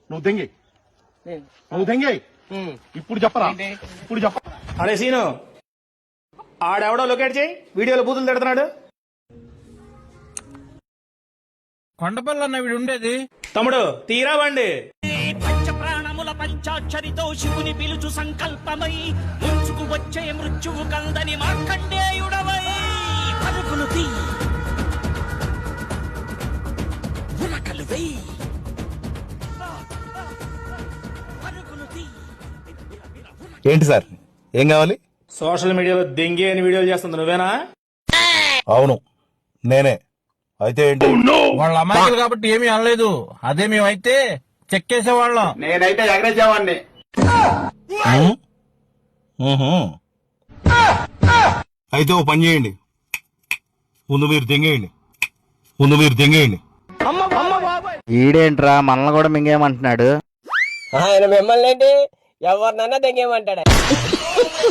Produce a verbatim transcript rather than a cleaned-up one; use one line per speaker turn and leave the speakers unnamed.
నువ్వు దెంగి నువ్వు దెంగి ఇప్పుడు చెప్పరా ఇప్పుడు చెప్ప
అరే సీను ఆడెవడో లొకేట్ చేయి వీడియోలో బూతులు తిడుతున్నాడు.
కొండపల్లి అన్న వీడు ఉండేది.
తమ్ముడు తీరా బండి.
పంచ ప్రాణముల పంచాక్షరితో శివుని పిలుచు సంకల్పమై ముంచుకు వచ్చే మృత్యువు కందని మార్కండేయుడవై పరుగులు తీ ఉరకలు వెయ్యి పరుగులు తీ.
ఏంటి సార్ ఏం కావాలి?
సోషల్ మీడియాలో దెంగి అని వీడియోలు చేస్తుంది నువ్వేనా?
అవును నేనే. అయితే ఏంటి?
వాళ్ళ అమ్మాయిలు కాబట్టి ఏమీ అనలేదు. అదే మేమైతే చెక్కేసేవాళ్ళం.
నేనైతే ఎగరేసేవాడిని.
అయితే ఓ పని చేయండి, ముందు మీరు దెంగేయండి ముందు మీరు దెంగేయండి
ఈడేంట్రా మనల్ని కూడా మింగేయమంటున్నాడు.
ఆయన మిమ్మల్ని ఏంటి ఎవరినన్నా దెంగేయమంటాడు.